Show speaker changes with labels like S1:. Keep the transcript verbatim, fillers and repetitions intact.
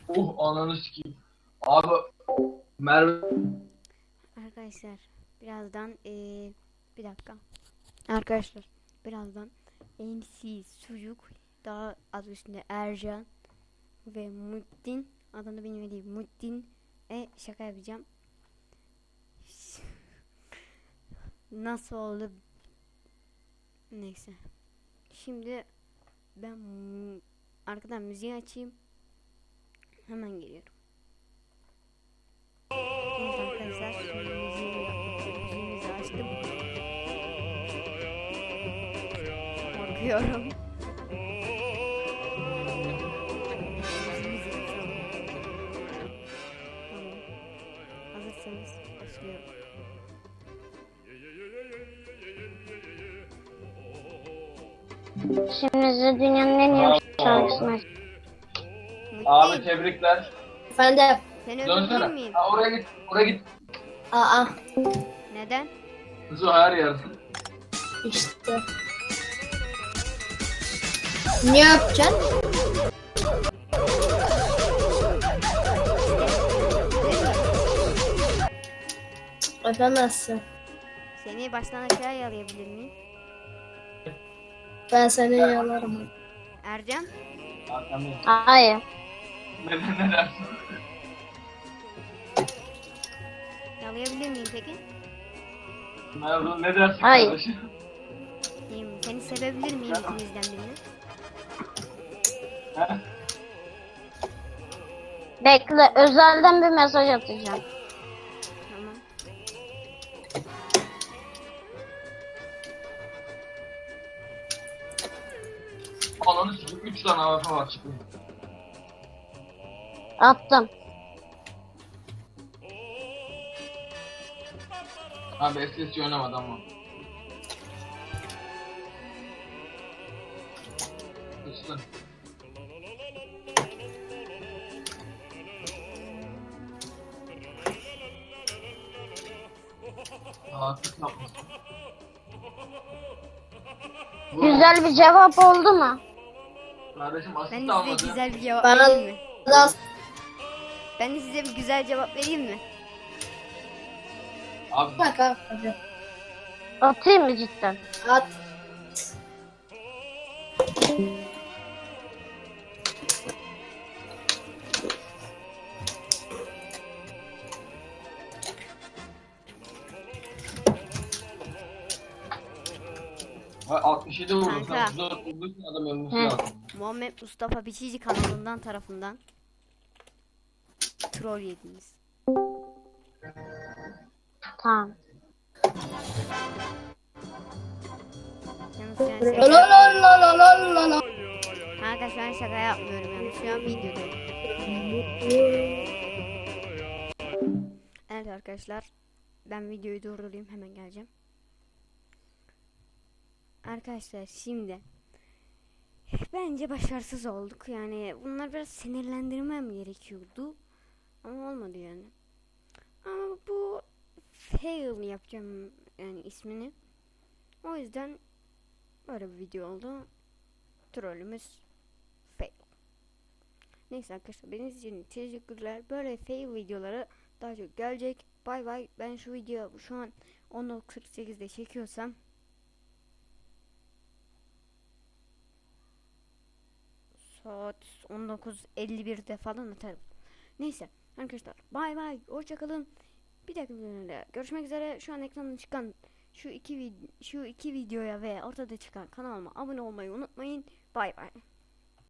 S1: Oh ananı sikeyim. Abi Merve
S2: Arkadaşlar birazdan ee, bir dakika. Arkadaşlar birazdan M C Sucuk, daha adı üstünde Ercan ve Muhittin, adını bilmediğim Muhittin e şaka yapacağım. Nasıl oldu? Neyse. Şimdi ben mu- arkadan müziği açayım. Hemen geliyorum. Evet arkadaşlar, şimdi müziğimi, müziğimizi açtım. Korkuyorum. Müziğimizi açalım. Tamam. Hazırsanız başlıyorum.
S3: Şimdi size dünyanın en iyi şarkısını aç.
S1: abi
S2: Muhittin,
S1: tebrikler.
S4: Efendim.
S2: seni öldürebilir
S1: Dönsene.
S2: miyim?
S1: Ha, oraya git. Oraya git.
S4: Aa
S2: Neden?
S1: Kızı her yer.
S4: işte. Ne yapacaksın? Yapamazsın.
S2: Seni baştan aşağıya yalayabilir miyim?
S4: Ben seni yalarım.
S2: Ercan,
S1: Arkamda.
S3: Hayır.
S1: Neden ne dersin?
S2: yalayabilir miyim peki?
S1: Merve ne dersin
S3: Hayır.
S1: kardeşim?
S2: İyiyim. Seni sevebilir miyim ikinizden birini?
S1: He?
S3: Bekle, özelden bir mesaj atacağım.
S2: Tamam.
S1: Ananı sikeyim. Üç tane A W P var çıkıyor.
S3: Attım.
S1: Abi S S oynamadı ama. Üstün. Aa, tık yapmasın. Bu-
S3: Güzel bir cevap oldu mu?
S1: Kardeşim
S2: Ben
S1: asist
S2: de size
S1: almadı.
S2: güzel bir cevap
S4: Bana
S2: vereyim mi?
S4: da
S2: Ben de size bir güzel cevap vereyim mi?
S1: Abi
S4: bak abi.
S3: Atayım mı cidden?
S4: At.
S1: Vay, altmış yedi vurdum.
S2: Kanka.
S1: Sen otuz dört vurduysan adam ölmesi
S3: Hı.
S1: lazım.
S2: Muhammed Mustafa Biçici kanalından tarafından troll yediniz.
S3: Tamam.
S2: Yalnız şu an
S4: La
S2: şaka,
S4: la la la la la la.
S2: kanka şu an şaka yapmıyorum yani. Şu an videodayım. Evet arkadaşlar, ben videoyu durdurayım, hemen geleceğim. Arkadaşlar şimdi bence başarısız olduk. Yani bunlar biraz sinirlendirmem gerekiyordu. Ama olmadı yani. Ama bu fail yapacağım yani ismini. O yüzden böyle bir video oldu. Trollümüz fail. Neyse arkadaşlar, benim için teşekkürler. Böyle fail videoları daha çok gelecek. Bay bay. Ben şu video şu an on dokuz kırk sekizde çekiyorsam saat on dokuz elli birde falan atarım. Neyse arkadaşlar, bay bay, hoşça kalın. Bir dahaki videoda görüşmek üzere. Şu an ekranda çıkan şu iki vid şu iki videoya ve ortada çıkan kanalıma abone olmayı unutmayın. Bay bay.